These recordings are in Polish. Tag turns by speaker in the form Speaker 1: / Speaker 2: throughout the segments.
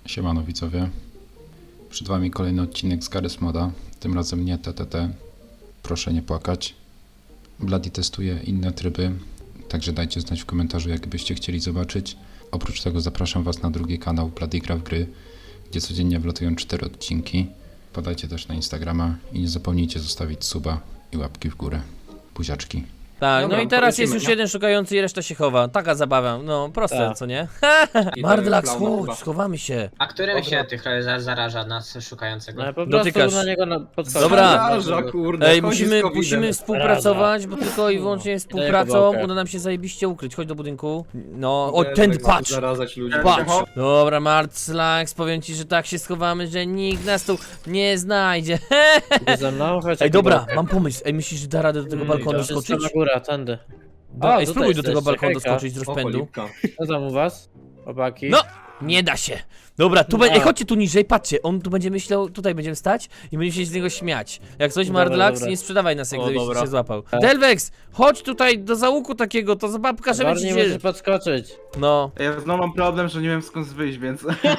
Speaker 1: Siemano widzowie, przed wami kolejny odcinek z Garry's Moda, tym razem nie TTT, proszę nie płakać. Bloody testuje inne tryby, także dajcie znać w komentarzu, jakbyście chcieli zobaczyć. Oprócz tego zapraszam was na drugi kanał Bloody Gra w Gry, gdzie codziennie wlatują 4 odcinki. Podajcie też na Instagrama i nie zapomnijcie zostawić suba i łapki w górę. Buziaczki.
Speaker 2: Tak,
Speaker 3: Dobra,
Speaker 2: no i teraz jest
Speaker 3: polecimy,
Speaker 2: już
Speaker 3: nie?
Speaker 2: jeden szukający i reszta się chowa. Taka zabawa, no proste,
Speaker 4: Tak.
Speaker 2: co nie?
Speaker 3: I
Speaker 2: Mardlax,
Speaker 3: to jest klauna
Speaker 2: chodź,
Speaker 3: chyba.
Speaker 2: schowamy się.
Speaker 5: A którym
Speaker 3: Dobra.
Speaker 5: się tych zaraża nas szukającego?
Speaker 4: No po prostu
Speaker 2: Dotykasz.
Speaker 4: na niego podskoczyć.
Speaker 2: Dobra.
Speaker 3: Zaraża, kurde,
Speaker 2: Ej,
Speaker 3: chodzi z
Speaker 2: musimy
Speaker 3: COVID-em.
Speaker 2: współpracować, bo tylko i wyłącznie współpracą
Speaker 4: kawałkę.
Speaker 2: uda nam się zajebiście ukryć. Chodź do budynku. No, o,
Speaker 3: Też
Speaker 2: tędy,
Speaker 3: tak
Speaker 2: patrz!
Speaker 3: Zarazać ludzi.
Speaker 2: Patrz! Dobra, Mardlax, powiem ci, że tak się schowamy, że nikt nas tu nie znajdzie.
Speaker 4: Idzie ze mną? Chodź,
Speaker 2: Ej, dobra,
Speaker 4: Jakubek.
Speaker 2: mam pomysł. Ej, myślisz, że da radę do tego balkonu
Speaker 4: To jest
Speaker 2: skoczyć?
Speaker 4: sama góra, tędy.
Speaker 2: Ej,
Speaker 4: tutaj
Speaker 2: spróbuj do tego
Speaker 4: jesteście,
Speaker 2: balkonu
Speaker 4: hejka.
Speaker 2: doskoczyć z
Speaker 3: O,
Speaker 2: rozpędu.
Speaker 3: cholipka.
Speaker 4: Co tam u was? Chłopaki?
Speaker 2: No! Nie da się. Dobra, tu
Speaker 4: No.
Speaker 2: Ej, chodźcie tu niżej, patrzcie, on tu będzie myślał, tutaj będziemy stać i będziemy się z niego śmiać. Jak coś,
Speaker 4: Dobra,
Speaker 2: Mardlax,
Speaker 4: dobra.
Speaker 2: nie sprzedawaj nas, jak
Speaker 4: O,
Speaker 2: gdybyś
Speaker 4: dobra.
Speaker 2: się złapał. Delvex, chodź tutaj do załuku takiego, to pokażemy ci
Speaker 4: Bardziej
Speaker 2: się.
Speaker 4: możesz podskoczyć.
Speaker 2: No.
Speaker 6: Ja znowu mam problem, że nie wiem skąd wyjść, więc...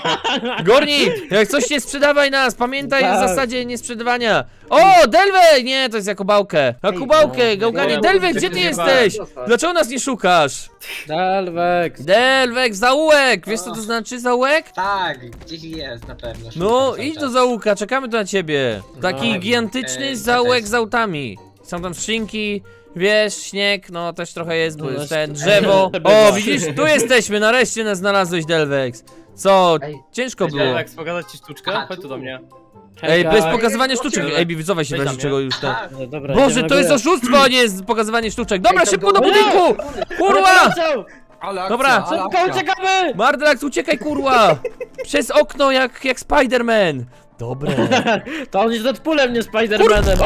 Speaker 2: Gornik, jak coś nie sprzedawaj nas, pamiętaj o
Speaker 4: Tak.
Speaker 2: zasadzie niesprzedawania. O, Delvex, nie, to jest Jakubałkę. Jakubałkę, gałganie,
Speaker 4: no,
Speaker 2: Delvex, gdzie ty jesteś? Dlaczego nas nie szukasz?
Speaker 4: Dalwek.
Speaker 2: Delvex, zaułek, wiesz co to znaczy zaułek?
Speaker 5: Tak, gdzieś jest na pewno.
Speaker 2: No,
Speaker 5: szukam cały
Speaker 2: idź do
Speaker 5: czas.
Speaker 2: załuka, czekamy tu na ciebie. Taki
Speaker 4: No.
Speaker 2: gigantyczny
Speaker 5: to
Speaker 2: zaułek
Speaker 5: też.
Speaker 2: z autami. Są tam skrzynki, wiesz, śnieg, no też trochę jest, bo
Speaker 4: No,
Speaker 2: jest ten
Speaker 4: no,
Speaker 2: drzewo.
Speaker 4: bywa.
Speaker 2: O, widzisz, tu jesteśmy, nareszcie nas znalazłeś, Delvex. Co,
Speaker 5: Ej,
Speaker 2: ciężko było.
Speaker 7: Delvex, pokazać ci sztuczkę?
Speaker 5: Aha,
Speaker 7: Chodź tu do mnie.
Speaker 2: Ej,
Speaker 4: Hejka.
Speaker 2: bez pokazywania sztuczek.
Speaker 5: Ej,
Speaker 2: Ej, wycofaj się w
Speaker 7: weź
Speaker 2: razie
Speaker 7: tam,
Speaker 2: czego
Speaker 7: nie?
Speaker 2: już ten.
Speaker 5: A,
Speaker 4: No dobra,
Speaker 2: Boże,
Speaker 4: idziemy
Speaker 2: to jest
Speaker 4: górę.
Speaker 2: oszustwo, a nie jest pokazywanie sztuczek. Dobra,
Speaker 5: Ej, to
Speaker 2: szybko do
Speaker 5: było-
Speaker 2: budynku! Kurwa!
Speaker 4: Poleciał!
Speaker 3: Ale akcja,
Speaker 2: Dobra,
Speaker 3: ale
Speaker 4: Szybko
Speaker 3: akcja.
Speaker 4: uciekamy!
Speaker 2: Mardlax, uciekaj, kurwa! Przez okno, jak Spider-Man. Dobre.
Speaker 4: To on jest Deadpoolem, nie Spider-Manem.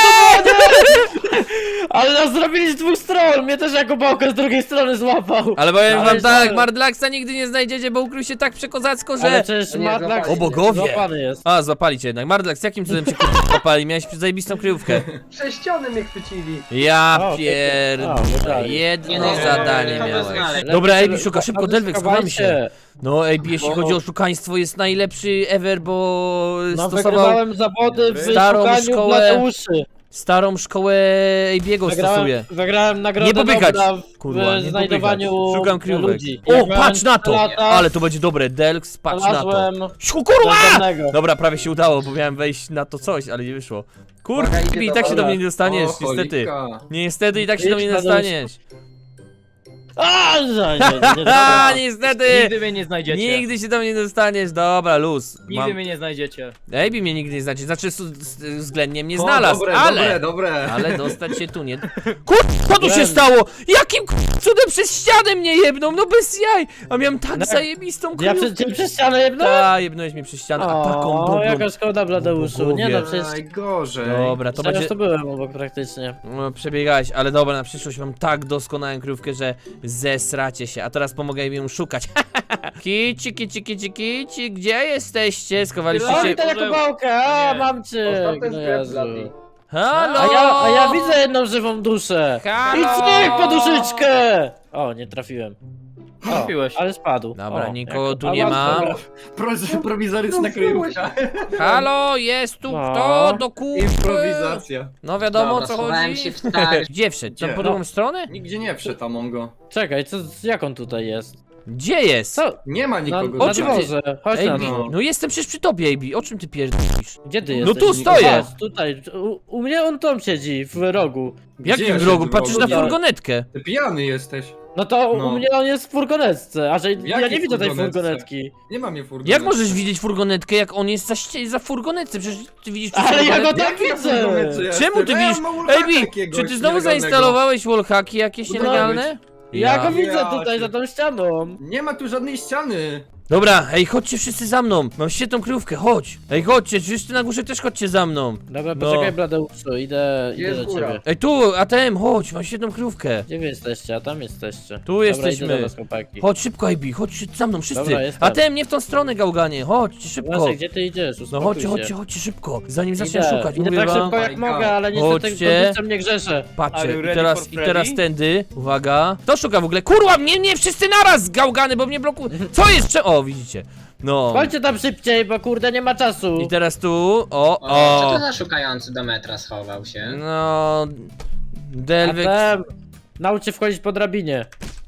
Speaker 4: Ale nas zrobili z dwóch stron! Mnie też Jakubałkę z drugiej strony złapał!
Speaker 2: Ale powiem wam
Speaker 4: Ale
Speaker 2: tak,
Speaker 4: że-
Speaker 2: Mardlaxa nigdy nie znajdziecie, bo ukrył się tak przekozacko,
Speaker 4: Ale
Speaker 2: że...
Speaker 4: przecież
Speaker 5: Nie,
Speaker 4: Mardlax
Speaker 5: złapali.
Speaker 2: O bogowie!
Speaker 4: złapany jest.
Speaker 2: A, złapali cię jednak. Mardlax, jakim cudem cię kurwa złapali? Miałeś zajebistą kryjówkę.
Speaker 6: Przez ściany mnie chwycili.
Speaker 2: Ja
Speaker 4: O,
Speaker 2: pierdolę.
Speaker 5: Nie,
Speaker 2: Jedno
Speaker 5: no,
Speaker 2: zadanie
Speaker 5: kogo
Speaker 2: miałeś.
Speaker 5: znaleźć?
Speaker 2: Dobra,
Speaker 4: Lepiej
Speaker 2: Ejbi, szuka szybko,
Speaker 4: ale
Speaker 2: Delvex, schowamy się.
Speaker 4: schowajcie.
Speaker 2: No, Ejbi, jeśli
Speaker 4: Bo-
Speaker 2: chodzi o oszukaństwo, jest najlepszy ever, bo
Speaker 4: No
Speaker 2: stosował
Speaker 4: wygrywałem zawody w
Speaker 2: starą
Speaker 4: szukaniu
Speaker 2: szkołę
Speaker 4: Bladeuszy.
Speaker 2: starą szkołę Ejbiego stosuje.
Speaker 4: Wygrałem nagrodę
Speaker 2: Nie popykać.
Speaker 4: Nobla w
Speaker 2: Kurwa, nie
Speaker 4: znajdowaniu
Speaker 2: popykać. Szukam kryjówek.
Speaker 4: ludzi.
Speaker 2: O,
Speaker 4: Jak miałem
Speaker 2: patrz na to!
Speaker 4: 3 lata,
Speaker 2: Ale to będzie dobre, Delx, patrz na to.
Speaker 4: znalazłem
Speaker 2: Siu, kurwa!
Speaker 4: bezdomnego.
Speaker 2: Dobra, prawie się udało, bo miałem wejść na to coś, ale nie wyszło. Kurwa,
Speaker 6: Uwaga, idzie
Speaker 2: i
Speaker 6: do
Speaker 2: tak się do
Speaker 4: dobra.
Speaker 2: mnie nie dostaniesz,
Speaker 3: O,
Speaker 2: niestety.
Speaker 3: cholipka.
Speaker 2: Niestety i tak się do
Speaker 4: Idź
Speaker 2: mnie nie
Speaker 4: na dół.
Speaker 2: dostaniesz.
Speaker 4: A, nie,
Speaker 2: A, niestety!
Speaker 7: Nigdy mnie nie znajdziecie.
Speaker 2: Nigdy się do mnie nie dostaniesz, dobra, luz.
Speaker 7: Nigdy mnie nie znajdziecie.
Speaker 2: Ejbi mnie nigdy nie znajdzie, znaczy względnie mnie
Speaker 3: O,
Speaker 2: znalazł,
Speaker 3: dobre,
Speaker 2: ale...
Speaker 3: dobre.
Speaker 2: Ale dostać się tu nie... Co tu się stało? Jakim cudem przez ścianę mnie jebną? No bez jaj! A miałem tak
Speaker 4: No,
Speaker 2: zajebistą
Speaker 4: Ja
Speaker 2: kryjówkę.
Speaker 4: przez ścianę jednąłem?
Speaker 2: Ta, jebnąłeś mnie przez ścianę, a taką
Speaker 4: O,
Speaker 2: dobrą...
Speaker 4: jaka szkoda Bladeuszu. Nie no, przecież...
Speaker 3: Najgorzej.
Speaker 2: Dobra, to
Speaker 4: Przecież
Speaker 2: będzie...
Speaker 4: to byłem obok praktycznie.
Speaker 2: No, przebiegałeś, ale dobra, na przyszłość mam tak doskonałą kryjówkę, że zesracie się. A teraz pomogę im ją szukać. Kici, kici, kici, kici, gdzie jesteście? Schowaliście
Speaker 4: O,
Speaker 2: się...
Speaker 4: witaj Jakubałkę, a
Speaker 7: Nie.
Speaker 4: mam cię!
Speaker 6: Ostatni
Speaker 4: No
Speaker 6: sklep
Speaker 4: Jezu.
Speaker 6: Bloody.
Speaker 2: Halo!
Speaker 4: A ja widzę jedną żywą duszę!
Speaker 2: Halo!
Speaker 4: I cyk, poduszyczkę! O, nie trafiłem. O,
Speaker 7: Trafiłeś.
Speaker 4: ale spadł.
Speaker 2: Dobra,
Speaker 4: O,
Speaker 2: nikogo tu
Speaker 4: a
Speaker 2: nie
Speaker 4: mam
Speaker 2: ma.
Speaker 4: dobra.
Speaker 3: Prowizoryczna kryjówka.
Speaker 2: Halo, jest tu
Speaker 4: No.
Speaker 2: kto do kupy?
Speaker 3: Improwizacja.
Speaker 2: No wiadomo o
Speaker 5: Dobra,
Speaker 2: co
Speaker 5: schowałem
Speaker 2: chodzi.
Speaker 5: się w tak.
Speaker 2: Gdzie wszedł? Tam
Speaker 3: Gdzie?
Speaker 2: po drugą stronę?
Speaker 3: Nigdzie nie wszedł Amongo.
Speaker 4: Czekaj, jak on tutaj jest?
Speaker 2: Gdzie jest?
Speaker 4: Co?
Speaker 3: Nie ma
Speaker 4: Na,
Speaker 3: nikogo.
Speaker 4: na
Speaker 2: O czym ty-
Speaker 4: dworze, chodź na
Speaker 2: Ej,
Speaker 4: dwór.
Speaker 2: no jestem przecież przy tobie, Ejbi. O czym ty pierdolisz?
Speaker 4: Gdzie ty
Speaker 2: No
Speaker 4: jesteś?
Speaker 2: tu stoję.
Speaker 4: Patrz, tutaj, u mnie on tam siedzi, w rogu.
Speaker 3: Gdzie
Speaker 2: Jakim
Speaker 3: ja
Speaker 2: wrogu?
Speaker 3: siedzę w
Speaker 2: Patrzysz na
Speaker 3: rogu?
Speaker 2: furgonetkę.
Speaker 3: Ty pijany jesteś.
Speaker 4: No to
Speaker 3: No.
Speaker 4: u mnie on jest w furgonetce, a że ja
Speaker 3: Jakiej
Speaker 4: nie widzę tej
Speaker 3: furgonetce?
Speaker 4: furgonetki.
Speaker 3: Nie ma mnie furgonetki.
Speaker 2: Jak możesz widzieć furgonetkę, jak on jest za furgonetce? Przecież ty widzisz przez
Speaker 4: Ale ja go
Speaker 2: furgonetkę.
Speaker 4: tak widzę!
Speaker 2: Czemu ty widzisz? Ejbi, czy ty znowu zainstalowałeś wallhacki jakieś
Speaker 3: No,
Speaker 2: nielegalne?
Speaker 4: Ja go
Speaker 3: Ja
Speaker 4: widzę tutaj
Speaker 3: cię-
Speaker 4: za tą ścianą.
Speaker 3: Nie ma tu żadnej ściany.
Speaker 2: Dobra, ej, chodźcie wszyscy za mną. Mam świetną kryjówkę, chodź. Ej, chodźcie, wszyscy na górze też chodźcie za mną.
Speaker 4: Dobra,
Speaker 2: No.
Speaker 4: poczekaj Bladeuszu, idę
Speaker 6: Jest
Speaker 4: do
Speaker 6: góra.
Speaker 4: ciebie.
Speaker 2: Ej, tu, ATM, chodź, mam świetną kryjówkę.
Speaker 4: Gdzie wy jesteście? A tam jesteście.
Speaker 2: Tu
Speaker 4: Dobra,
Speaker 2: jesteśmy.
Speaker 4: idę do was, chłopaki.
Speaker 2: Chodź szybko, Ejbi, chodźcie za mną, wszyscy.
Speaker 4: Dobra, jestem.
Speaker 2: ATM, nie w tą stronę, gałganie, chodźcie szybko.
Speaker 4: Właśnie, gdzie ty idziesz?
Speaker 2: No
Speaker 4: Uspokój
Speaker 2: chodźcie,
Speaker 4: się.
Speaker 2: chodźcie, chodźcie szybko, zanim zacznę
Speaker 4: Idę.
Speaker 2: szukać,
Speaker 4: Idę
Speaker 2: mówię
Speaker 4: tak
Speaker 2: wam.
Speaker 4: szybko jak
Speaker 3: My God.
Speaker 4: mogę, ale niestety
Speaker 2: Chodźcie.
Speaker 4: kondycją nie grzeszę.
Speaker 2: Patrzcie,
Speaker 7: Are you
Speaker 2: i
Speaker 7: ready
Speaker 2: teraz,
Speaker 7: for
Speaker 2: i teraz
Speaker 7: Freddy?
Speaker 2: tędy, uwaga. Kto szuka w ogóle? Kurwa, mnie wszyscy naraz, gałgany, bo mnie blokuje. Co jest? O, widzicie. No.
Speaker 4: Chodźcie tam szybciej, bo kurde nie ma czasu.
Speaker 2: I teraz tu, o,
Speaker 5: O, co to
Speaker 2: o.
Speaker 5: za szukający do metra schował się?
Speaker 2: No... Delvex...
Speaker 4: Atem, naucz się wchodzić po drabinie.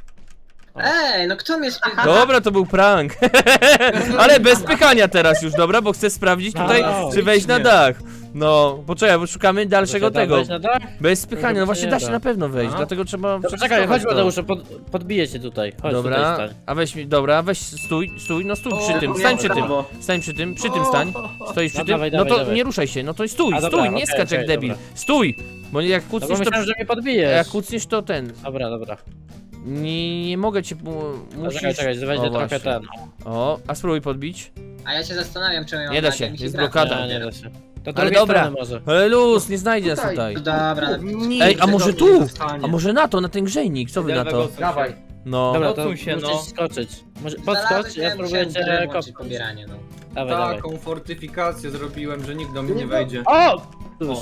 Speaker 5: Ej, no kto mnie spytał?
Speaker 2: Dobra, to był prank. Ale bez pychania teraz już, dobra, bo chcę sprawdzić tutaj,
Speaker 4: No,
Speaker 2: czy wejść na dach. No, poczekaj, bo szukamy dalszego
Speaker 4: Da się tam
Speaker 2: tego.
Speaker 4: wejść na dach?
Speaker 2: Bez spychania, no właśnie
Speaker 4: nie
Speaker 2: da się
Speaker 4: da.
Speaker 2: na pewno wejść,
Speaker 3: A?
Speaker 2: dlatego trzeba
Speaker 4: Dobra, czekaj,
Speaker 2: przetestować
Speaker 4: chodź
Speaker 2: to.
Speaker 4: Mateuszu, podbiję cię tutaj. Chodź
Speaker 2: Dobra,
Speaker 4: tutaj stań.
Speaker 2: a weź mi, dobra, weź stój, no stój przy tym, stań przy tym, stań przy tym stań, stoisz przy
Speaker 4: No
Speaker 2: tym,
Speaker 4: dawaj,
Speaker 2: no
Speaker 4: dawaj,
Speaker 2: to
Speaker 4: dawaj.
Speaker 2: nie ruszaj się, no to stój,
Speaker 4: A, dobra,
Speaker 2: stój, nie
Speaker 4: okej,
Speaker 2: skacz jak
Speaker 4: okej,
Speaker 2: debil,
Speaker 4: dobra.
Speaker 2: stój, bo jak
Speaker 4: No bo
Speaker 2: kucniesz to,
Speaker 4: myślałem, że mnie podbijesz.
Speaker 2: jak kucniesz to ten,
Speaker 4: Dobra, dobra.
Speaker 2: nie mogę cię, musisz,
Speaker 4: Czekaj,
Speaker 2: o,
Speaker 4: będzie trochę
Speaker 2: właśnie.
Speaker 4: ten.
Speaker 2: o, a spróbuj podbić,
Speaker 5: A ja się zastanawiam, czemu ja
Speaker 2: Nie da
Speaker 5: mam
Speaker 2: się,
Speaker 5: mi
Speaker 2: jest
Speaker 5: gra
Speaker 2: blokada.
Speaker 4: Nie,
Speaker 5: nie
Speaker 4: nie da się. To
Speaker 2: ale
Speaker 4: drugiej
Speaker 2: dobra,
Speaker 4: strony może.
Speaker 2: ale luz, nie znajdzie nas
Speaker 6: Tutaj.
Speaker 2: tutaj.
Speaker 5: No dobra, no,
Speaker 2: Ej, a może
Speaker 3: Nigdy
Speaker 2: tu?
Speaker 3: do mnie nie zostanie.
Speaker 2: A może na to, na ten grzejnik, co wy na to?
Speaker 6: Dawaj.
Speaker 2: No.
Speaker 4: Dobra, to
Speaker 7: odsuń się,
Speaker 4: musisz
Speaker 7: no.
Speaker 4: skoczyć. Może
Speaker 5: znalazłeś,
Speaker 4: podskocz, ja spróbuję
Speaker 5: musiałem
Speaker 4: cię
Speaker 5: grę włączyć,
Speaker 4: kopnąć.
Speaker 5: pobieranie, no.
Speaker 4: Dawaj, dawaj.
Speaker 3: Taką fortyfikację zrobiłem, że nikt do mnie nie wejdzie.
Speaker 4: O! Już.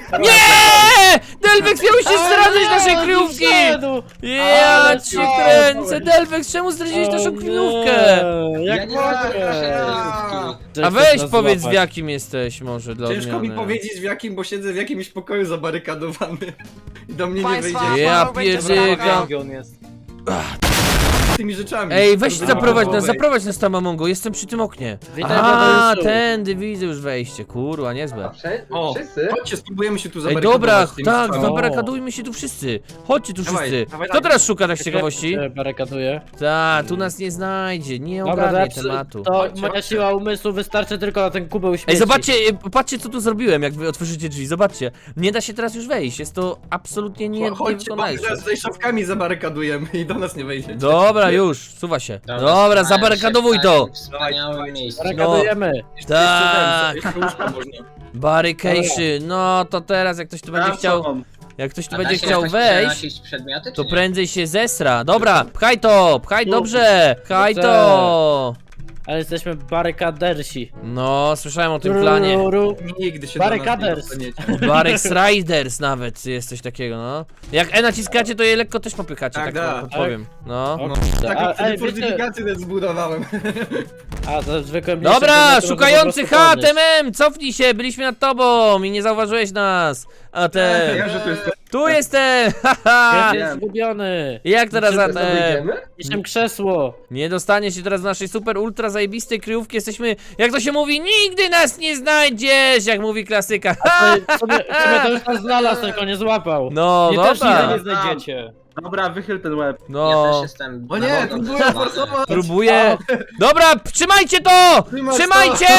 Speaker 2: Nie! Delvex miał się zdradzać naszej kryjówki!
Speaker 4: Wszedł!
Speaker 2: Ja
Speaker 4: Ale
Speaker 2: cię
Speaker 4: co?
Speaker 2: kręcę, Delvex, czemu zdradziłeś naszą kryjówkę?
Speaker 5: Ja
Speaker 4: Jak
Speaker 5: nie znam
Speaker 4: mogę?
Speaker 5: naszej kryjówki.
Speaker 2: A weź powiedz w jakim jesteś może dla
Speaker 3: Ciężko mi
Speaker 2: odmiany.
Speaker 3: powiedzieć w jakim, bo siedzę w jakimś pokoju zabarykadowany. I do mnie nie
Speaker 8: Państwa,
Speaker 3: wejdzie
Speaker 2: Ja
Speaker 8: Paweł będzie
Speaker 2: pierdykam.
Speaker 8: brawo.
Speaker 7: Gdzie on jest?
Speaker 3: tymi rzeczami.
Speaker 2: Ej, weź
Speaker 3: Żeby
Speaker 2: zaprowadź nas tam, Amongo, jestem przy tym oknie.
Speaker 4: Witaj,
Speaker 2: A,
Speaker 4: Pawełciu.
Speaker 2: tędy widzę już wejście, kurwa, niezłe.
Speaker 3: O,
Speaker 6: Wszyscy?
Speaker 3: chodźcie, spróbujemy się tu
Speaker 2: Ej,
Speaker 3: zabarykadować.
Speaker 2: dobra,
Speaker 3: z tymi
Speaker 2: tak,
Speaker 3: rzeczami.
Speaker 2: zabarakadujmy się tu wszyscy. Chodźcie tu
Speaker 3: Dawaj,
Speaker 2: wszyscy.
Speaker 3: dawaj,
Speaker 2: Kto
Speaker 3: dawaj.
Speaker 2: teraz szuka tak z ciekawości?
Speaker 4: Się barykaduje.
Speaker 2: Ta, tu nas nie znajdzie, nie
Speaker 4: Dobra,
Speaker 2: ogarnie
Speaker 4: zawsze
Speaker 2: tematu.
Speaker 4: to
Speaker 3: Chodźcie,
Speaker 4: moja
Speaker 3: chodźcie.
Speaker 4: siła umysłu wystarczy tylko na ten kubeł śmieci.
Speaker 2: Ej, zobaczcie, patrzcie co tu zrobiłem, jak wy otworzycie drzwi, zobaczcie. Nie da się teraz już wejść, jest to absolutnie nie
Speaker 3: Chodźcie, bo my
Speaker 2: niewykonalne.
Speaker 3: teraz tutaj szafkami zabarykadujemy i do nas nie wejdzie.
Speaker 2: Dobra, już, suwa się. Dobra,
Speaker 5: znałem
Speaker 2: zabarykadowuj
Speaker 5: się w
Speaker 2: to.
Speaker 5: takim wspaniałym miejscu.
Speaker 4: Barykadujemy.
Speaker 2: Tak,
Speaker 3: Jeszcze łóżko można.
Speaker 2: barrication, no to teraz jak ktoś tu będzie chciał, jak ktoś tu
Speaker 5: A
Speaker 2: będzie
Speaker 5: da się
Speaker 2: chciał
Speaker 5: jakoś
Speaker 2: wejść,
Speaker 5: przenosić przedmioty,
Speaker 2: to
Speaker 5: czy nie?
Speaker 2: prędzej się zesra. Dobra, pchaj to, pchaj dobrze, pchaj to.
Speaker 4: Ale jesteśmy barykadersi.
Speaker 2: No, słyszałem o tym planie.
Speaker 4: Ruru.
Speaker 3: Nigdy się do nas nie
Speaker 4: Barykaders.
Speaker 3: dostaniecie.
Speaker 2: Barex Riders nawet jest coś takiego, no. Jak E naciskacie, to je lekko też popychacie,
Speaker 3: Tak,
Speaker 2: tak
Speaker 3: da.
Speaker 2: wam podpowiem. No.
Speaker 4: O,
Speaker 3: No,
Speaker 4: kurde.
Speaker 3: taką
Speaker 4: Ej, wiecie,
Speaker 3: fortyfikację też zbudowałem.
Speaker 4: a to zwykłe mniejsze
Speaker 2: Dobra,
Speaker 4: przedmioty
Speaker 2: szukający
Speaker 4: można po prostu
Speaker 2: HTMM, cofnij się, byliśmy nad tobą i nie zauważyłeś nas. A ten,
Speaker 6: Ja, że tu jest...
Speaker 2: tu jestem,
Speaker 4: podnieść.
Speaker 2: haha.
Speaker 4: Jest zgubiony.
Speaker 2: Jak teraz
Speaker 6: Wszyscy
Speaker 2: ATM?
Speaker 6: wyjdziemy?
Speaker 4: Niczym krzesło.
Speaker 2: Nie dostanie się teraz w naszej super ultra zajebistej kryjówki, jesteśmy, jak to się mówi, nigdy nas nie znajdziesz, jak mówi klasyka.
Speaker 4: Sobie to już nas znalazł, tylko nie złapał.
Speaker 2: No,
Speaker 7: Nie też
Speaker 2: dobra,
Speaker 7: nigdy nie znajdziecie.
Speaker 6: Dobra, wychyl ten łeb.
Speaker 5: Ja też
Speaker 2: no.
Speaker 5: jestem...
Speaker 3: O nie, próbuję forsować!
Speaker 2: Próbuję. Dobra, trzymajcie to! Trzymajcie!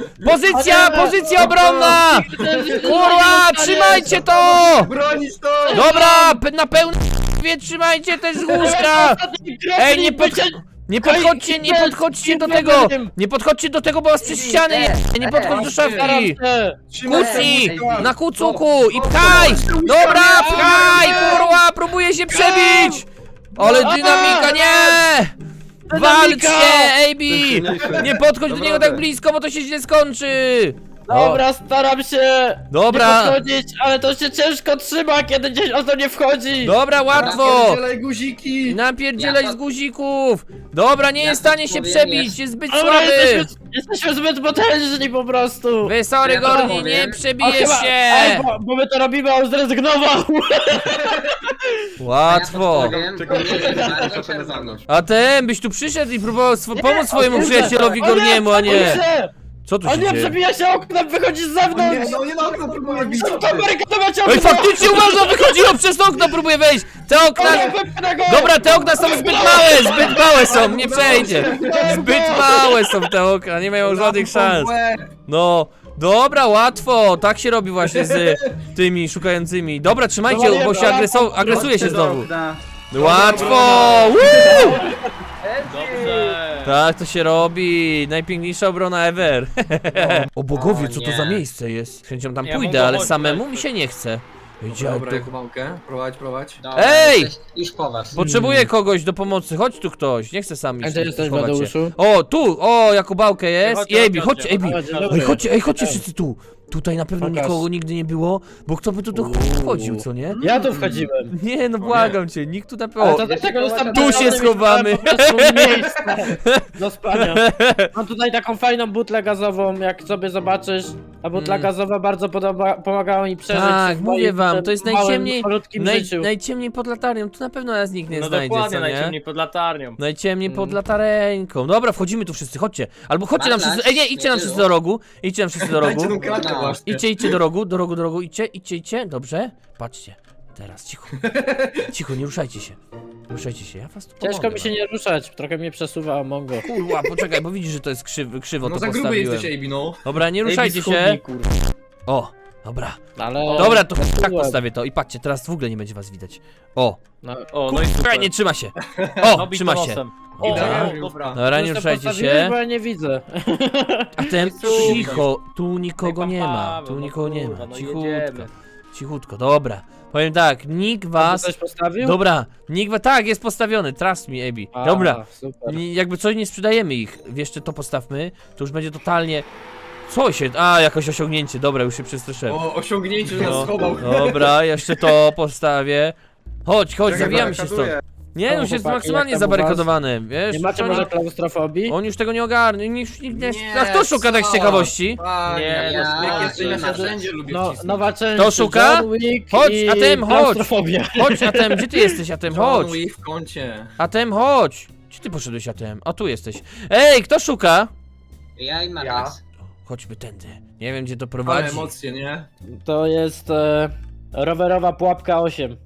Speaker 2: Pozycja obronna! Kurwa, trzymajcie to!
Speaker 3: Bronić to!
Speaker 2: Dobra, na pełne trzymajcie też z łóżka! Ej, nie podchodźcie do tego! Nie podchodźcie do tego, bo was przez ściany nie podchodź do szafki! Kucnij! Na kucuku! I pchaj! Dobra, pchaj! Kurwa, próbuję się przebić! Ale dynamika, nie! Walczcie, AB! Nie podchodź do niego tak blisko, bo to się źle skończy!
Speaker 4: Dobra, staram się
Speaker 2: Dobra.
Speaker 4: nie podchodzić, ale to się ciężko trzyma, kiedy gdzieś o to nie wchodzi.
Speaker 2: Dobra, łatwo!
Speaker 3: Napierdzielaj guziki!
Speaker 2: Napierdzielaj
Speaker 5: Ja
Speaker 2: z guzików! Dobra, nie
Speaker 5: Ja
Speaker 2: jest w stanie się
Speaker 5: powiem,
Speaker 2: przebić, jest zbyt
Speaker 4: Dobra,
Speaker 2: słaby!
Speaker 4: jesteśmy zbyt potężni po prostu.
Speaker 2: Wy, sorry,
Speaker 5: Ja to
Speaker 2: Gorni,
Speaker 5: powiem.
Speaker 2: nie
Speaker 4: O,
Speaker 2: przebijesz
Speaker 4: chyba-
Speaker 2: się!
Speaker 4: Ej, bo my to robimy, a on zrezygnował.
Speaker 2: Łatwo!
Speaker 3: Czekaj,
Speaker 5: bardzo
Speaker 3: czekaj na
Speaker 5: czerwono.
Speaker 3: zewnątrz.
Speaker 2: A ten byś tu przyszedł i próbował pomóc swojemu
Speaker 4: O nie,
Speaker 2: przyjacielowi
Speaker 4: o nie,
Speaker 2: Gorniemu, a nie!
Speaker 4: nie!
Speaker 2: Co tu
Speaker 4: O
Speaker 2: się
Speaker 4: nie,
Speaker 2: dzieje?
Speaker 4: przebija się oknem, wychodzi z
Speaker 3: O
Speaker 4: zewnątrz.
Speaker 3: nie, no nie na okno próbuję bić!
Speaker 4: Szybko barykadować okno.
Speaker 2: Oj, faktycznie uważa, wychodziło przez to okno, próbuje wejść! Te okna...
Speaker 4: O nie, wypnę go.
Speaker 2: Dobra, te okna są zbyt małe są, nie przejdzie! Zbyt małe są te okna, nie mają żadnych szans. No, dobra, łatwo, tak się robi właśnie z tymi szukającymi. Dobra, trzymajcie, bo się agresuje się znowu. Łatwo! Woo!
Speaker 7: Dobrze.
Speaker 2: Tak to się robi, najpiękniejsza obrona ever. O bogowie, co to za miejsce jest? Z chęcią tam
Speaker 7: Ja
Speaker 2: pójdę,
Speaker 7: mogę
Speaker 2: ale
Speaker 7: chodzić,
Speaker 2: samemu
Speaker 7: tak.
Speaker 2: mi się nie chce. Idzie,
Speaker 3: Dobra, Jakubałkę, prowadź.
Speaker 5: Dobra,
Speaker 2: Ej!
Speaker 5: Już po was.
Speaker 2: potrzebuję kogoś do pomocy, chodź tu ktoś, nie chcę sam
Speaker 4: A
Speaker 2: iść.
Speaker 4: gdzie jesteś,
Speaker 2: schować się.
Speaker 4: Mateuszu?
Speaker 2: O, tu, o, Jakubałkę jest.
Speaker 7: Chodźcie,
Speaker 2: I Ejbi,
Speaker 7: chodźcie,
Speaker 2: chodźcie, Ejbi.
Speaker 4: chodźcie,
Speaker 2: Ej,
Speaker 4: dobra.
Speaker 2: chodźcie wszyscy tu. tutaj na pewno
Speaker 4: Pokaż.
Speaker 2: nikogo nigdy nie było, bo kto by tu wchodził, co nie?
Speaker 4: Ja tu wchodziłem.
Speaker 2: Nie, no błagam cię, nikt tu na pewno...
Speaker 4: Ale to dlatego zostałem
Speaker 2: Tu się
Speaker 4: postawiony,
Speaker 2: schowamy.
Speaker 4: miałem po prostu miejsce do spania. Mam tutaj taką fajną butlę gazową, jak sobie zobaczysz. Ta butla gazowa bardzo pomagała mi przeżyć
Speaker 2: Tak,
Speaker 4: w
Speaker 2: mówię
Speaker 4: moim
Speaker 2: wam, to jest
Speaker 4: małym,
Speaker 2: najciemniej,
Speaker 4: malutkim życiu.
Speaker 2: najciemniej pod latarnią, tu na pewno nas nikt nie
Speaker 7: No
Speaker 2: znajdzie,
Speaker 7: dokładnie,
Speaker 2: co nie?
Speaker 7: najciemniej pod latarnią.
Speaker 2: Najciemniej pod latareńką. Dobra, wchodzimy tu wszyscy, chodźcie. Albo chodźcie nam wszyscy, nie, idźcie nam wszyscy do rogu. Idźcie nam wszyscy do rogu.
Speaker 3: Dajcie tą kratkę
Speaker 5: No.
Speaker 3: właśnie.
Speaker 2: Idźcie do rogu, idźcie, dobrze? Patrzcie, teraz, cicho. Cicho, nie ruszajcie się. Nie ruszajcie się, ja was tu
Speaker 4: Ciężko
Speaker 2: pomogę
Speaker 4: mi się nie ruszać, trochę mnie przesuwa Mongo.
Speaker 2: Kurwa, poczekaj, bo widzisz, że to jest krzywo
Speaker 3: No
Speaker 2: to
Speaker 3: za gruby
Speaker 2: postawiłem.
Speaker 3: jesteś, AB, no.
Speaker 2: Dobra, nie ruszajcie się. O, dobra.
Speaker 4: Ale...
Speaker 2: Dobra, to tak postawię to i patrzcie, teraz w ogóle nie będzie was widać. O,
Speaker 7: O, no i
Speaker 2: kurwa,
Speaker 7: super.
Speaker 2: nie trzyma się.
Speaker 7: No,
Speaker 2: O,
Speaker 7: bit
Speaker 2: trzyma
Speaker 7: to
Speaker 2: się.
Speaker 7: nosem.
Speaker 4: O,
Speaker 2: Dobra.
Speaker 3: Dobra.
Speaker 2: Dobra, nie
Speaker 4: Już to
Speaker 2: ruszajcie
Speaker 4: postawiłeś,
Speaker 2: się.
Speaker 4: bo ja nie widzę.
Speaker 2: A ten cicho, tu nikogo
Speaker 7: Ej,
Speaker 2: nie ma,
Speaker 7: Paweł,
Speaker 2: tu
Speaker 7: no
Speaker 2: nikogo nie
Speaker 7: kurwa,
Speaker 2: ma,
Speaker 7: no
Speaker 2: cichutko,
Speaker 7: jedziemy.
Speaker 2: cichutko, dobra. Powiem tak, nikt
Speaker 4: A
Speaker 2: was,
Speaker 4: ty coś postawił?
Speaker 2: dobra, nikt was, tak, jest postawiony, trust me, Ebi,
Speaker 4: A,
Speaker 2: dobra,
Speaker 4: Super.
Speaker 2: jakby coś nie sprzedajemy ich, jeszcze to postawmy, to już będzie totalnie, co się, jakoś osiągnięcie, dobra, już się przestraszyłem.
Speaker 3: O, osiągnięcie, że nas
Speaker 2: No,
Speaker 3: schował.
Speaker 2: dobra, jeszcze to postawię. Chodź, zawijamy się stąd.
Speaker 6: barakaduję.
Speaker 2: Nie,
Speaker 4: O,
Speaker 2: już jest
Speaker 4: chłopaki,
Speaker 2: maksymalnie
Speaker 4: jak tam u was?
Speaker 2: zabarykadowany, wiesz?
Speaker 4: Nie macie
Speaker 2: oni-
Speaker 4: może klaustrofobii?
Speaker 2: On już tego nie ogarnie, nikt nie...
Speaker 3: Nie,
Speaker 2: A kto szuka tak z
Speaker 3: co?
Speaker 2: ciekawości?
Speaker 3: Panie,
Speaker 7: Nie,
Speaker 3: ja,
Speaker 5: no,
Speaker 3: jak jesteś, ja się
Speaker 5: no,
Speaker 3: wszędzie lubię
Speaker 4: No,
Speaker 3: wcisnąć.
Speaker 4: nowa część.
Speaker 2: To szuka?
Speaker 4: John Wick
Speaker 2: Chodź,
Speaker 4: i
Speaker 2: Atem, chodź.
Speaker 4: klaustrofobia.
Speaker 2: Chodź, Atem, gdzie ty jesteś, Atem, chodź!
Speaker 3: John Wick w kącie.
Speaker 2: Atem, chodź! Gdzie ty poszedłeś, Atem? O, tu jesteś. Ej, kto szuka?
Speaker 5: Ja i Marlax.
Speaker 2: Chodźmy tędy. Nie wiem, gdzie to
Speaker 3: Ale
Speaker 2: prowadzi.
Speaker 3: emocje, nie?
Speaker 4: To jest rowerowa pułapka 8.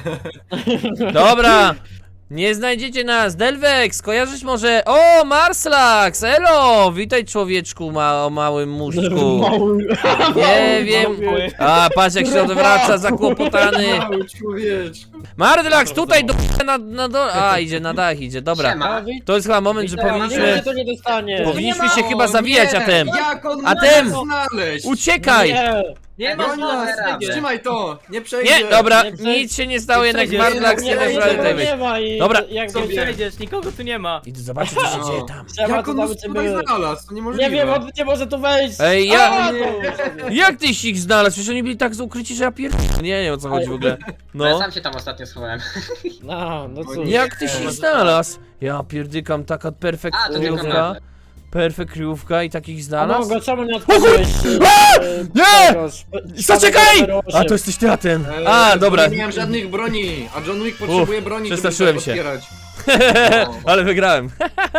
Speaker 2: Dobra! Nie znajdziecie nas, Delvex, kojarzysz może... O, Marslax, elo! Witaj, człowieczku o małym muszczku. Nie wiem... A, patrz jak się odwraca, zakłopotany.
Speaker 3: Mały człowieczku.
Speaker 2: Marslax, tutaj na dole... A, idzie na dach, idzie, dobra.
Speaker 5: Siema.
Speaker 2: To jest chyba moment, że
Speaker 4: Nie,
Speaker 2: powinniśmy...
Speaker 4: to nie dostanie.
Speaker 2: Powinniśmy się
Speaker 3: O,
Speaker 2: chyba zawijać,
Speaker 3: nie,
Speaker 2: Atem.
Speaker 3: Jak on
Speaker 2: Atem!
Speaker 3: może znaleźć?
Speaker 2: Uciekaj!
Speaker 4: Nie,
Speaker 7: Nie ma
Speaker 3: Broń nas,
Speaker 5: radę.
Speaker 3: trzymaj to, nie przejdzie.
Speaker 2: Nie, dobra,
Speaker 4: Nie przejdzie.
Speaker 2: nic się nie stało,
Speaker 7: Nie
Speaker 2: jednak
Speaker 7: przejdzie.
Speaker 2: Marslax nie
Speaker 3: Nie
Speaker 2: dasz
Speaker 3: przejdzie,
Speaker 2: rady
Speaker 3: bo
Speaker 2: tutaj
Speaker 4: nie
Speaker 2: wejść.
Speaker 4: ma i
Speaker 2: Dobra.
Speaker 4: jak
Speaker 7: Co
Speaker 4: sobie...
Speaker 7: przejdziesz, nikogo tu nie ma.
Speaker 2: Idę zobaczyć, co się
Speaker 3: No.
Speaker 2: dzieje tam.
Speaker 4: Siema,
Speaker 3: Jak
Speaker 4: to
Speaker 3: on
Speaker 4: nawet
Speaker 3: nas
Speaker 4: nie
Speaker 3: tutaj
Speaker 4: były.
Speaker 3: znalazł? To niemożliwe.
Speaker 4: Nie wiem, on nie może tu wejść.
Speaker 2: Ej,
Speaker 4: A,
Speaker 3: nie.
Speaker 4: to-
Speaker 2: Jak tyś ich znalazł? Przecież oni byli tak ukryci, że ja nie wiem o co chodzi w ogóle.
Speaker 5: No. Ja
Speaker 2: No.
Speaker 5: sam się tam ostatnio schowałem.
Speaker 4: No cóż.
Speaker 2: Jak tyś ich znalazł? Ja pierdykam, taka perfekt
Speaker 5: A, to tylko
Speaker 2: kryjówka.
Speaker 5: meble.
Speaker 2: Perfekt kryjówka i takich
Speaker 4: A
Speaker 2: znalazł?
Speaker 4: Mongo, czemu nie odpaliłeś?
Speaker 2: Nie! Zaczekaj! A to
Speaker 4: jest...
Speaker 2: jesteś ty, Atem.
Speaker 3: Eee,
Speaker 2: A, dobra.
Speaker 3: Nie miałem żadnych broni, a John Wick potrzebuje broni,
Speaker 2: przestraszyłem
Speaker 3: żeby
Speaker 2: się.
Speaker 3: tak otwierać.
Speaker 2: Ale wygrałem.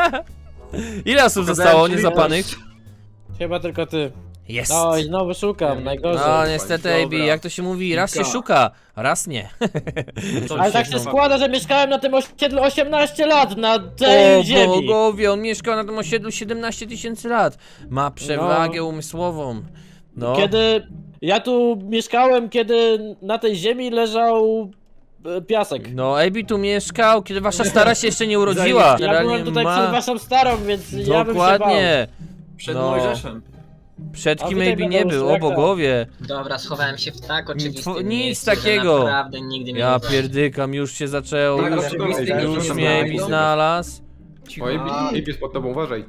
Speaker 2: Ile osób zostało niezłapanych?
Speaker 4: Chyba tylko ty.
Speaker 2: Jest.
Speaker 4: No i znowu szukam, najgorzej.
Speaker 2: No niestety, AB,
Speaker 3: Dobra.
Speaker 2: jak to się mówi, raz się
Speaker 3: Kilka.
Speaker 2: szuka, raz nie.
Speaker 4: Ale tak się składa, że mieszkałem na tym osiedlu 18 lat, na tej
Speaker 2: O
Speaker 4: ziemi.
Speaker 2: bogowie, on mieszkał na tym osiedlu 17 000 lat. Ma przewagę umysłową. No.
Speaker 4: Kiedy ja tu mieszkałem, kiedy na tej ziemi leżał piasek.
Speaker 2: No, AB tu mieszkał, kiedy wasza stara się jeszcze nie urodziła.
Speaker 4: Ja byłem tutaj przed waszą starą, więc ja bym się bał.
Speaker 2: Dokładnie.
Speaker 3: Przed
Speaker 2: No.
Speaker 3: Mojżeszem.
Speaker 2: Przed
Speaker 4: A
Speaker 2: kim
Speaker 4: tutaj
Speaker 2: AB
Speaker 4: będę
Speaker 2: nie był, o
Speaker 4: uszlaka.
Speaker 2: bogowie.
Speaker 5: Dobra, schowałem się w tak oczywistym
Speaker 2: Nic
Speaker 5: miejscu,
Speaker 2: takiego.
Speaker 5: Że naprawdę nigdy mnie
Speaker 2: Ja
Speaker 5: nie znajdzie.
Speaker 2: pierdykam, już się zaczęło,
Speaker 3: Tak,
Speaker 2: już,
Speaker 3: oczywiste,
Speaker 2: już
Speaker 3: że
Speaker 2: mnie AB
Speaker 3: znajdą.
Speaker 2: znalazł.
Speaker 6: Oj, Ip jest pod tobą, uważaj.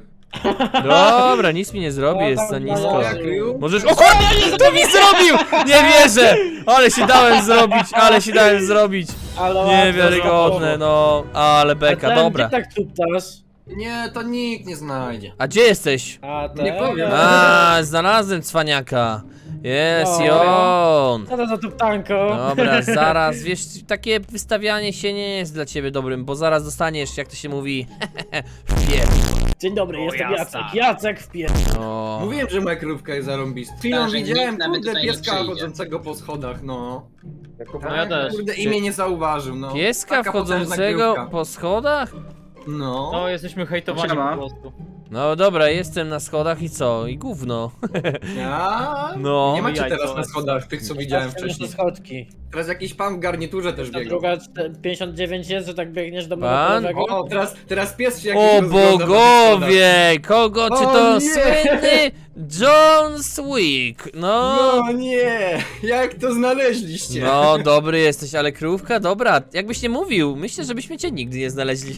Speaker 2: Dobra, nic mi nie zrobi,
Speaker 4: Ja
Speaker 2: jest
Speaker 4: tam
Speaker 2: za
Speaker 4: na
Speaker 2: nisko.
Speaker 4: jazie.
Speaker 2: Możesz... O kurde, to mi zrobił! Nie wierzę! Ale się dałem zrobić,
Speaker 4: Ale
Speaker 2: Niewiarygodne, no. Ale beka, dobra.
Speaker 4: Ty tak tuptasz.
Speaker 3: Nie, to nikt nie znajdzie.
Speaker 2: A gdzie jesteś?
Speaker 4: A ten...
Speaker 3: Nie powiem.
Speaker 2: A, znalazłem cwaniaka. Jest
Speaker 4: No.
Speaker 2: i on.
Speaker 4: Co to za tuptanko?
Speaker 2: Dobra, zaraz, wiesz, takie wystawianie się nie jest dla ciebie dobrym, bo zaraz dostaniesz, jak to się mówi, wpier...
Speaker 4: Dzień dobry, jestem
Speaker 7: jasna.
Speaker 4: Jacek. Jacek wpier...
Speaker 2: No.
Speaker 3: Mówiłem, że moja krówka jest zarąbista. Chwilą
Speaker 5: że
Speaker 3: widziałem,
Speaker 5: nikt nawet
Speaker 3: kurde,
Speaker 5: tutaj nie
Speaker 3: pieska
Speaker 5: przyjdzie.
Speaker 3: chodzącego po schodach, no.
Speaker 7: No ja też.
Speaker 3: Kurde, imię nie zauważył, no.
Speaker 2: Pieska
Speaker 3: Taka potężna
Speaker 2: wchodzącego
Speaker 3: krówka.
Speaker 2: po schodach?
Speaker 3: No.
Speaker 7: No, jesteśmy hejtowani
Speaker 6: Siema.
Speaker 7: po prostu.
Speaker 2: No dobra, jestem na schodach i co? I gówno.
Speaker 3: Ja?
Speaker 2: No.
Speaker 3: Nie macie
Speaker 7: Jajco.
Speaker 3: teraz na schodach tych, co widziałem
Speaker 4: Jeszcze
Speaker 3: wcześniej.
Speaker 4: schodki.
Speaker 3: Teraz jakiś pan w garniturze też
Speaker 4: Ta
Speaker 3: biegał.
Speaker 4: druga 59 jest, że tak biegniesz do
Speaker 2: Pan?
Speaker 4: monopolowego.
Speaker 3: O, teraz pies się jakiś
Speaker 2: O
Speaker 3: rozgląda po tych
Speaker 2: bogowie! Kogo? Czy
Speaker 3: O
Speaker 2: to
Speaker 3: nie!
Speaker 2: słynny John Wick? No.
Speaker 3: No nie! Jak to znaleźliście?
Speaker 2: No, dobry jesteś, ale krówka, dobra. Jakbyś nie mówił, myślę, żebyśmy cię nigdy nie znaleźli.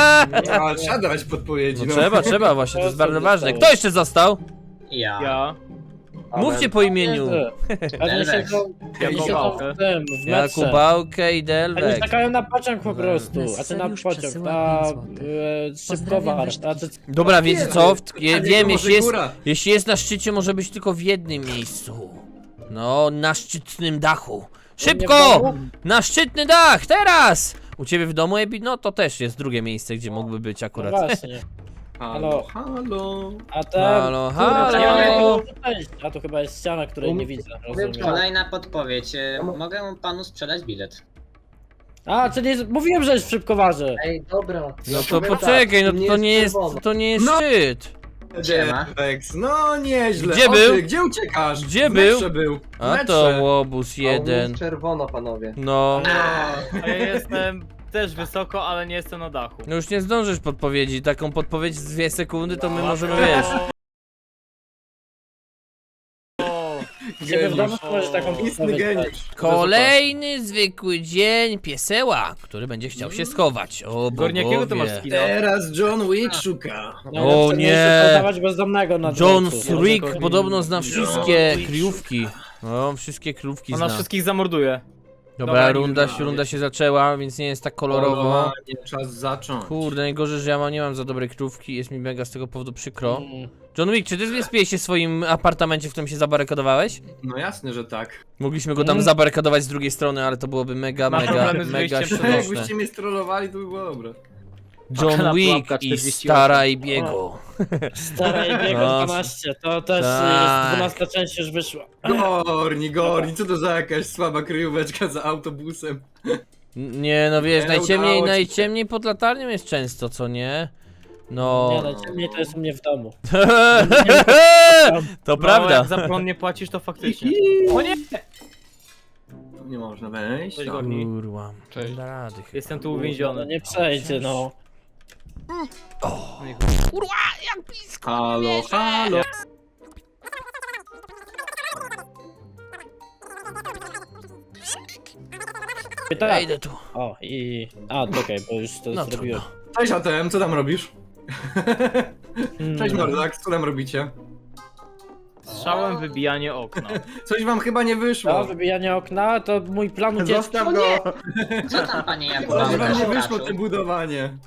Speaker 3: A, trzeba dawać podpowiedzi,
Speaker 2: No
Speaker 3: no.
Speaker 2: trzeba, właśnie, to jest
Speaker 4: To
Speaker 2: bardzo
Speaker 4: co
Speaker 2: ważne.
Speaker 4: zostało?
Speaker 2: Kto jeszcze został?
Speaker 5: Ja.
Speaker 7: Ja.
Speaker 2: Mówcie po imieniu.
Speaker 4: Pewnie
Speaker 5: Delvex.
Speaker 4: siedzą
Speaker 7: Jakubałkę.
Speaker 4: w tym, w metrze.
Speaker 2: Jakubałkę i
Speaker 4: Oni
Speaker 2: Delvex.
Speaker 4: czekają na pociąg po prostu, a ty na
Speaker 8: Sariusz
Speaker 4: pociąg,
Speaker 8: przesyła
Speaker 4: na
Speaker 8: 5 złotych.
Speaker 4: szybkowar,
Speaker 8: Pozdrawiam,
Speaker 4: a ty...
Speaker 2: Dobra, wiecie co? Ja wiem,
Speaker 3: może góra.
Speaker 2: jeśli jest na szczycie, może być tylko w jednym miejscu. No, na szczytnym dachu. Szybko! Na szczytny dach, teraz! U ciebie w domu, Ebi? No to też jest drugie miejsce, gdzie mógłby być
Speaker 4: No
Speaker 2: akurat.
Speaker 4: właśnie,
Speaker 3: Halo, halo.
Speaker 4: a ten...
Speaker 2: Halo,
Speaker 4: Kurde, ja nie
Speaker 2: halo.
Speaker 4: mogę przejść. A tu chyba jest ściana, której nie widzę, rozumiem.
Speaker 5: Kolejna podpowiedź. Mogę panu sprzedać bilet.
Speaker 4: A, czyli mówiłem, że jest w szybkowarze.
Speaker 8: Ej, dobra.
Speaker 2: No to poczekaj, no to nie jest
Speaker 3: No.
Speaker 2: szczyt.
Speaker 5: Siema.
Speaker 3: Delvex, no nieźle.
Speaker 2: Gdzie
Speaker 3: O,
Speaker 2: był?
Speaker 3: ty, Gdzie uciekasz?
Speaker 2: Gdzie
Speaker 3: W
Speaker 2: był?
Speaker 3: metrze był. W
Speaker 2: A
Speaker 3: metrze.
Speaker 2: to łobuz jeden.
Speaker 8: Czerwono, panowie.
Speaker 2: No.
Speaker 7: A ja jestem też wysoko, ale nie jestem na dachu.
Speaker 2: No już nie zdążysz podpowiedzi. Taką podpowiedź z 2 sekundy to my możemy, wiesz.
Speaker 4: Ciebie w domu to możesz taką
Speaker 3: Istny
Speaker 4: podpowiedź dać.
Speaker 3: geniusz.
Speaker 2: Kolejny zwykły dzień pieseła, który będzie chciał się schować. O
Speaker 7: Gornie, jakiego ty masz
Speaker 2: bogowie.
Speaker 7: skina?
Speaker 3: Teraz John Wick szuka.
Speaker 4: Najlepsze
Speaker 2: O nie.
Speaker 4: miejsce to dawać bezdomnego na
Speaker 2: John
Speaker 4: dworcu.
Speaker 2: Rick podobno zna wszystkie kryjówki. No, wszystkie kryjówki
Speaker 7: Ona
Speaker 2: zna.
Speaker 7: wszystkich zamorduje.
Speaker 2: Dobra,
Speaker 3: Dobra,
Speaker 2: runda się zaczęła, więc nie jest tak kolorowo.
Speaker 3: Polowanie, czas zacząć.
Speaker 2: Kurde, najgorzej, że ja nie mam za dobrej kryjówki, jest mi mega z tego powodu przykro.
Speaker 4: Mm.
Speaker 2: John Wick, czy ty zrespiłeś się w swoim apartamencie, w którym się zabarykadowałeś?
Speaker 3: No jasne, że tak.
Speaker 2: Mogliśmy go tam zabarykadować z drugiej strony, ale to byłoby mega,
Speaker 7: Ma
Speaker 2: mega,
Speaker 7: problemy z
Speaker 2: mega
Speaker 7: wyjściem
Speaker 2: śmieszne.
Speaker 3: Jakbyście mnie strollowali, to by było dobre.
Speaker 2: John
Speaker 7: Pułapka
Speaker 2: Wick i
Speaker 7: 48.
Speaker 2: Stara i Biego.
Speaker 4: Stara i biega
Speaker 2: No.
Speaker 4: 12, to też
Speaker 2: Tak.
Speaker 4: jest 12 część już wyszła.
Speaker 3: Gorni, co to za jakaś słaba kryjóweczka za autobusem?
Speaker 2: Nie, no wiesz,
Speaker 3: Nie udało ci się.
Speaker 2: najciemniej pod latarnią jest często, co nie? No.
Speaker 4: Nie, najciemniej to jest u mnie w domu.
Speaker 2: To
Speaker 7: No,
Speaker 2: prawda.
Speaker 7: jak za prąd nie płacisz, to faktycznie. O nie!
Speaker 3: Tu nie można wejść.
Speaker 7: Cześć,
Speaker 3: No.
Speaker 7: Gorni.
Speaker 2: Kurwa.
Speaker 6: Cześć.
Speaker 2: Nie da rady chyba.
Speaker 7: Jestem tu
Speaker 4: No
Speaker 7: uwięziony.
Speaker 4: nie przejdzie, no.
Speaker 3: Halo, halo.
Speaker 2: Ja
Speaker 4: Tak.
Speaker 2: idę tu.
Speaker 4: O, i... A, okej, bo już to
Speaker 2: No
Speaker 4: zrobiłem.
Speaker 2: trudno.
Speaker 3: Cześć ATM, co tam robisz? Cześć Mordax, co tam robicie?
Speaker 7: Strzałem wybijanie okna.
Speaker 3: Coś wam chyba nie
Speaker 4: To
Speaker 3: wyszło.
Speaker 4: wybijanie okna, to mój plan ucieczki.
Speaker 3: Zostaw go!
Speaker 5: Co tam, panie
Speaker 3: Coś
Speaker 5: Jakubałka?
Speaker 3: wam nie wyszło to budowanie.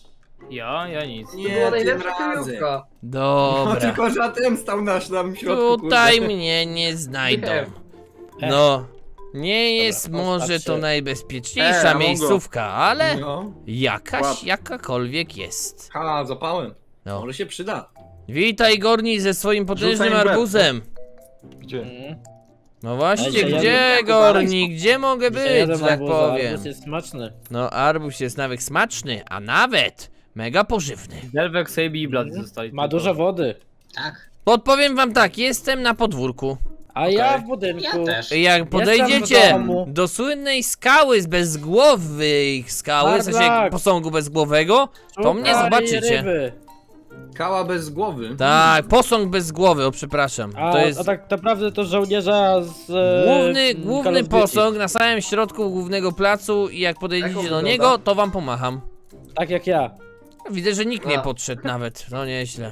Speaker 7: Ja nic.
Speaker 3: Nie, tym razem. No
Speaker 2: Dobra.
Speaker 3: tylko, że ATM stał nasz tam w środku,
Speaker 2: Tutaj
Speaker 3: kurde.
Speaker 2: mnie nie znajdą.
Speaker 8: Nie.
Speaker 2: No. Nie jest
Speaker 4: Dobra,
Speaker 2: może
Speaker 4: postaw
Speaker 2: to
Speaker 4: się.
Speaker 2: najbezpieczniejsza
Speaker 6: Mongo.
Speaker 2: miejscówka, ale
Speaker 3: No.
Speaker 2: jakaś, jakakolwiek jest.
Speaker 3: Ha, zapałem.
Speaker 2: No.
Speaker 3: Może się przyda.
Speaker 2: Witaj Gorni ze swoim potężnym
Speaker 6: Rzucaj w łeb.
Speaker 2: arbuzem.
Speaker 6: Gdzie?
Speaker 4: Mm.
Speaker 2: No właśnie,
Speaker 4: Dzisiaj
Speaker 2: gdzie
Speaker 3: jadę-
Speaker 2: Gorni? Gdzie mogę
Speaker 4: Dzisiaj
Speaker 2: być,
Speaker 4: jadę
Speaker 2: że
Speaker 4: w
Speaker 2: tak
Speaker 4: arbuza,
Speaker 2: powiem?
Speaker 4: arbuz jest smaczny.
Speaker 2: No arbuz jest nawet smaczny, a nawet mega pożywny.
Speaker 7: Delvex, Sabi i Bloody zostali.
Speaker 4: Ma
Speaker 7: tylko.
Speaker 4: dużo wody.
Speaker 5: Tak,
Speaker 2: Podpowiem wam tak, jestem na podwórku.
Speaker 4: A ja w budynku.
Speaker 5: ja też.
Speaker 2: Jak
Speaker 4: w
Speaker 2: podejdziecie
Speaker 4: domu.
Speaker 2: do słynnej skały z bezgłowej skały, w sensie
Speaker 4: Bardak.
Speaker 2: posągu bezgłowego, to mnie
Speaker 4: Szukali
Speaker 2: zobaczycie.
Speaker 4: ryby.
Speaker 3: Kała bez głowy.
Speaker 2: Tak, posąg bez głowy, o przepraszam.
Speaker 4: A,
Speaker 2: To jest
Speaker 4: a tak naprawdę to żołnierza z... Call
Speaker 2: główny
Speaker 4: of Duty.
Speaker 2: posąg na samym środku głównego placu i jak podejdziecie do
Speaker 8: wygląda?
Speaker 2: niego, to wam pomacham.
Speaker 4: Tak jak ja.
Speaker 2: Widzę, że nikt nie
Speaker 8: A.
Speaker 2: podszedł nawet, no nieźle.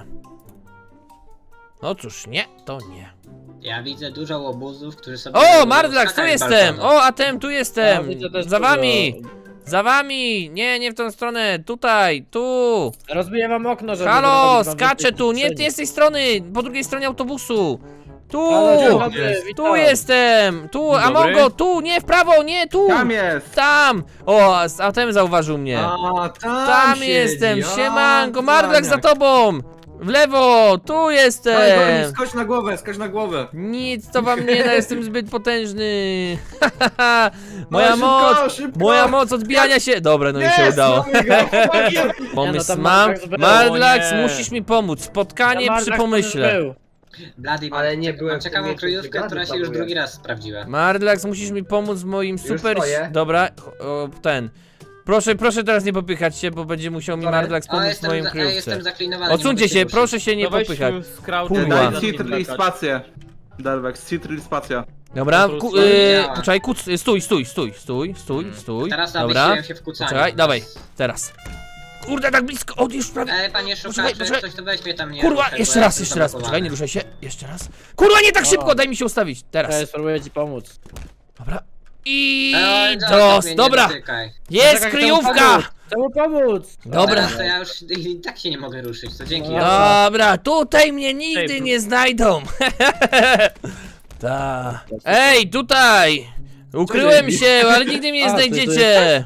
Speaker 2: No cóż, nie, to nie.
Speaker 5: Ja widzę dużo łobuzów, którzy sobie...
Speaker 2: O, Mardlax, tu
Speaker 5: skakać z
Speaker 2: jestem!
Speaker 5: balkonu.
Speaker 2: O, Atem, tu
Speaker 4: A,
Speaker 2: jestem!
Speaker 4: widzę też
Speaker 2: Za
Speaker 4: dużo.
Speaker 2: wami! Za wami! Nie, nie w tą stronę, tutaj, tu!
Speaker 4: Rozbiję wam okno, żeby...
Speaker 2: Halo,
Speaker 4: zrobić wam
Speaker 2: skaczę
Speaker 4: więcej
Speaker 2: tu, nie,
Speaker 4: przestrzeni.
Speaker 2: nie z tej strony, po drugiej stronie autobusu! Tu!
Speaker 4: Halo, dzień
Speaker 3: Tu
Speaker 4: dobry,
Speaker 3: jest.
Speaker 4: witam.
Speaker 2: Tu jestem! Tu,
Speaker 7: Dzień
Speaker 2: Amongo,
Speaker 7: dobry.
Speaker 2: tu, nie w prawo, nie, tu!
Speaker 6: Tam jest!
Speaker 2: Tam! O, Atem zauważył mnie.
Speaker 3: A,
Speaker 2: Tam
Speaker 3: siedzi.
Speaker 2: jestem,
Speaker 3: A,
Speaker 2: siemanko, Mardlax za
Speaker 3: cwaniak.
Speaker 2: tobą! W lewo, tu
Speaker 3: Dawaj,
Speaker 2: jestem!
Speaker 3: Gorni, skocz na głowę, skocz na głowę.
Speaker 2: Nic to wam nie da, jestem zbyt potężny.
Speaker 3: No,
Speaker 2: Moja
Speaker 3: szybko,
Speaker 2: moc,
Speaker 3: szybko.
Speaker 2: moja moc odbijania się. Dobra, no i się
Speaker 3: Jest,
Speaker 2: udało.
Speaker 3: mamy go.
Speaker 2: Pomysł
Speaker 4: tam
Speaker 2: mam.
Speaker 4: Mardlax był.
Speaker 2: Mardlax,
Speaker 7: O nie.
Speaker 2: musisz mi pomóc. Spotkanie
Speaker 4: Mardlax
Speaker 2: przy
Speaker 4: też
Speaker 2: pomyśle.
Speaker 4: był.
Speaker 5: Bloody,
Speaker 8: Ale nie byłem
Speaker 5: mam
Speaker 8: w tym
Speaker 5: ciekawą
Speaker 8: miejscu,
Speaker 5: kryjówkę,
Speaker 8: brygady
Speaker 5: która się już
Speaker 8: planuję.
Speaker 5: drugi raz sprawdziła.
Speaker 2: Mardlax, musisz mi pomóc w moim super...
Speaker 8: stoję.
Speaker 2: Dobra, o, ten. Proszę teraz nie popychać się, bo będzie musiał mi
Speaker 8: Sorry.
Speaker 2: Mardlax
Speaker 5: O,
Speaker 2: pomóc w
Speaker 5: jestem,
Speaker 2: moim
Speaker 5: jestem
Speaker 2: kryjówce.
Speaker 5: zaklinowany.
Speaker 2: Odsuńcie
Speaker 5: nie mogę
Speaker 2: się,
Speaker 5: ruszyć.
Speaker 2: proszę się nie
Speaker 7: To weź
Speaker 2: popychać.
Speaker 7: z crouch
Speaker 2: Kurwa.
Speaker 7: i
Speaker 6: Daj
Speaker 7: zacznij
Speaker 6: Citry i
Speaker 7: skakać.
Speaker 6: spację. Delvex, Citry i spacja.
Speaker 2: Dobra,
Speaker 7: Kontrol
Speaker 2: poczekaj, stój.
Speaker 5: Teraz
Speaker 2: Dobra,
Speaker 5: zawiesiłem się w kucaniu.
Speaker 2: poczekaj, dawaj, teraz. Kurde, tak blisko, o, już prawie.
Speaker 5: Panie
Speaker 2: Poczekaj,
Speaker 5: szukaczu,
Speaker 2: poczekaj.
Speaker 5: ktoś tu weźmie tam mnie.
Speaker 2: Kurwa,
Speaker 5: ruszaj, bo
Speaker 2: jeszcze
Speaker 5: ja
Speaker 2: raz,
Speaker 5: jestem
Speaker 2: jeszcze raz.
Speaker 5: zablokowany.
Speaker 2: Poczekaj, nie ruszaj się. Jeszcze raz. Kurwa, nie tak
Speaker 4: O.
Speaker 2: szybko, daj mi się ustawić.
Speaker 4: Ja
Speaker 2: Teraz.
Speaker 4: spróbuję ci pomóc.
Speaker 2: Dobra. I
Speaker 5: Zostaw
Speaker 2: dos,
Speaker 5: mnie, nie
Speaker 2: dobra.
Speaker 5: dotykaj.
Speaker 2: Jest
Speaker 4: Czekaj,
Speaker 2: kryjówka.
Speaker 4: Chcę pomóc!
Speaker 2: Dobra.
Speaker 5: Teraz to ja już i tak się nie mogę ruszyć, to dzięki.
Speaker 4: No.
Speaker 2: Dobra, tutaj mnie nigdy
Speaker 7: Ej,
Speaker 2: nie znajdą. Ta. Ej, tutaj. Ukryłem się, ale nigdy mnie nie
Speaker 4: A, ty
Speaker 2: znajdziecie.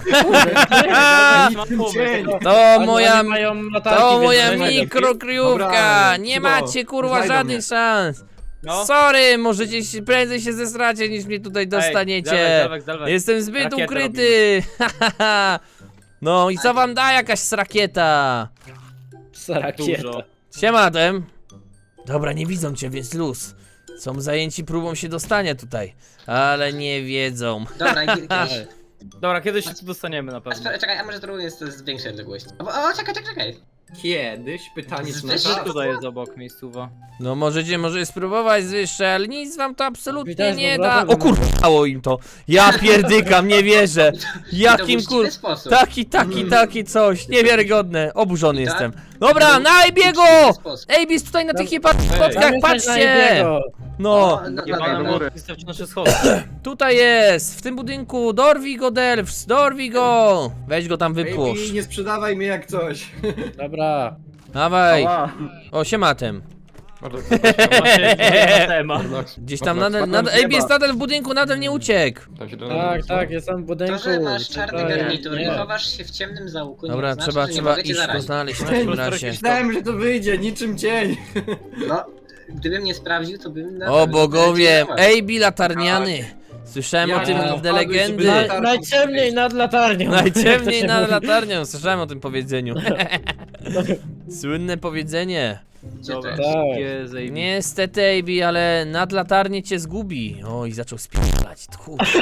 Speaker 7: Mam pomysł.
Speaker 2: To
Speaker 4: Oni
Speaker 2: moja...
Speaker 4: mają latarki,
Speaker 2: To
Speaker 4: więc
Speaker 2: moja
Speaker 4: nie znajdą.
Speaker 2: mikrokryjówka!
Speaker 3: Dobra,
Speaker 2: Nie
Speaker 3: Cibo,
Speaker 2: macie kurwa
Speaker 3: znajdą
Speaker 2: żadnych
Speaker 3: mnie.
Speaker 2: szans!
Speaker 7: No.
Speaker 2: Sorry, możecie się, prędzej się zesracie niż mnie tutaj dostaniecie.
Speaker 7: Delvex.
Speaker 2: Jestem zbyt
Speaker 7: Rakietę
Speaker 2: ukryty! No i co wam da jakaś srakieta?
Speaker 4: Rakieta.
Speaker 7: Dużo.
Speaker 2: Siema Dem. Dobra, nie widzą cię, więc luz. Są zajęci próbą się dostania tutaj. Ale nie wiedzą.
Speaker 5: Dobra, kiedyś...
Speaker 7: Dobra, kiedyś dostaniemy na pewno.
Speaker 5: Czekaj, a może to jest z większej odległości. Czekaj.
Speaker 3: Kiedyś, pytanie czy na
Speaker 5: Zwyż-
Speaker 3: czas?
Speaker 7: Tutaj jest obok miejscowa.
Speaker 2: No możecie może spróbować wyższe, ale nic wam to absolutnie
Speaker 4: Widać,
Speaker 2: nie
Speaker 4: dobra,
Speaker 2: da.
Speaker 4: dobra.
Speaker 2: O kurwa, dało im to. Ja pierdykam, nie wierzę. Jakim
Speaker 5: w
Speaker 2: kur...
Speaker 5: sposób.
Speaker 2: Taki coś. Niewiarygodne. Oburzony
Speaker 5: Tak?
Speaker 2: jestem. Dobra, na Ejbiego! Ejbis tutaj na tych spotkach,
Speaker 4: Tam jesteś na
Speaker 2: patrzcie!
Speaker 4: jednego.
Speaker 2: No,
Speaker 7: Jebane
Speaker 5: dobra.
Speaker 7: mury. Wystawcie nasze schody.
Speaker 2: tutaj jest, w tym budynku. Dorwij go, Delfs, dorwij go! Weź go tam wypłosz.
Speaker 3: Baby, nie sprzedawaj mnie jak coś.
Speaker 4: Dobra.
Speaker 2: Dawaj.
Speaker 6: Ała.
Speaker 2: O, siematem.
Speaker 7: Właśnie na temat.
Speaker 2: Gdzieś tam nadal Ejbis nadal w budynku, nadal nie uciekł.
Speaker 4: Tak, jestem w budynku.
Speaker 5: To, że masz czarny
Speaker 4: Tak,
Speaker 5: garnitur i
Speaker 4: nie.
Speaker 5: chowasz się w ciemnym zaułku,
Speaker 2: Dobra,
Speaker 5: nie znaczy,
Speaker 2: trzeba
Speaker 5: że nie mogę cię
Speaker 2: iść go
Speaker 5: zarazić.
Speaker 2: znaleźć w takim razie.
Speaker 3: Myślałem, że to wyjdzie, niczym cień.
Speaker 5: No, gdybym nie sprawdził, to bym...
Speaker 2: O bogowie,
Speaker 5: Ej!
Speaker 2: Ejbi latarniany. Słyszałem o tym
Speaker 3: Ja
Speaker 2: w legendy.
Speaker 3: wpadłeś,
Speaker 4: Najciemniej nad latarnią.
Speaker 2: Najciemniej
Speaker 4: Jak to się
Speaker 2: nad
Speaker 4: mówi.
Speaker 2: latarnią, słyszałem o tym powiedzeniu. Słynne powiedzenie.
Speaker 5: Gdzie to
Speaker 7: Dobra,
Speaker 5: jest?
Speaker 4: Tak.
Speaker 7: wszystkie zajebiste.
Speaker 2: Niestety, Ejbi, ale nad latarnię cię zgubi. Oj, zaczął spierdalać. Tchórz.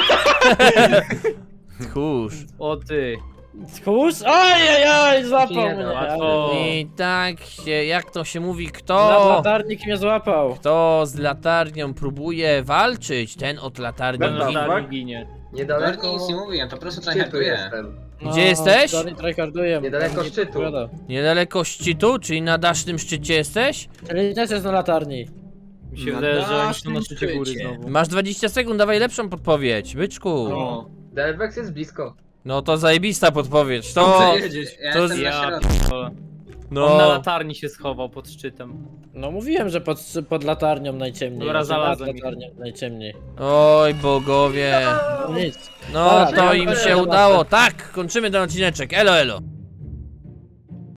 Speaker 2: Tchórz.
Speaker 7: O ty.
Speaker 4: Tchórz? Ojej, złapał
Speaker 5: Nie,
Speaker 4: mnie.
Speaker 7: łatwo.
Speaker 4: ale-
Speaker 2: I tak się, jak to się mówi,
Speaker 4: Nad
Speaker 2: kto
Speaker 4: latarnik mnie złapał.
Speaker 2: z latarnią próbuje walczyć, ten od latarni
Speaker 6: Ten
Speaker 2: ginie.
Speaker 6: latarnik.
Speaker 7: ginie.
Speaker 5: Dokładnie nic nie mówiłem, po prostu tryharduję.
Speaker 2: Gdzie jesteś?
Speaker 4: Dorni tryharduje.
Speaker 8: Niedaleko
Speaker 4: Nie
Speaker 8: szczytu.
Speaker 4: odpowiada.
Speaker 2: Niedaleko szczytu, czyli na dasznym szczycie jesteś?
Speaker 4: Czyli też jest na latarni.
Speaker 7: Mi się wydaje, że oni są na
Speaker 3: naszym
Speaker 7: szczycie góry
Speaker 3: szczycie.
Speaker 7: znowu.
Speaker 2: Masz 20 sekund, dawaj lepszą podpowiedź, byczku.
Speaker 3: No,
Speaker 8: Delvex jest blisko.
Speaker 2: No to zajebista podpowiedź, to...
Speaker 3: dobrze jedziesz.
Speaker 5: Ja
Speaker 2: To
Speaker 5: jestem na
Speaker 7: Ja
Speaker 5: środku.
Speaker 7: p***ole. On na
Speaker 2: No,
Speaker 7: latarni się schował pod szczytem.
Speaker 4: No mówiłem, że pod latarnią najciemniej.
Speaker 7: Dobra,
Speaker 4: Znaczy nad
Speaker 7: znalazłem ich.
Speaker 4: latarnią najciemniej.
Speaker 2: oj bogowie.
Speaker 4: No nic.
Speaker 2: No
Speaker 4: Dobra,
Speaker 2: to
Speaker 4: dobra,
Speaker 2: im
Speaker 4: dobra,
Speaker 2: się
Speaker 4: dobra.
Speaker 2: udało, tak, kończymy ten odcineczek, elo elo.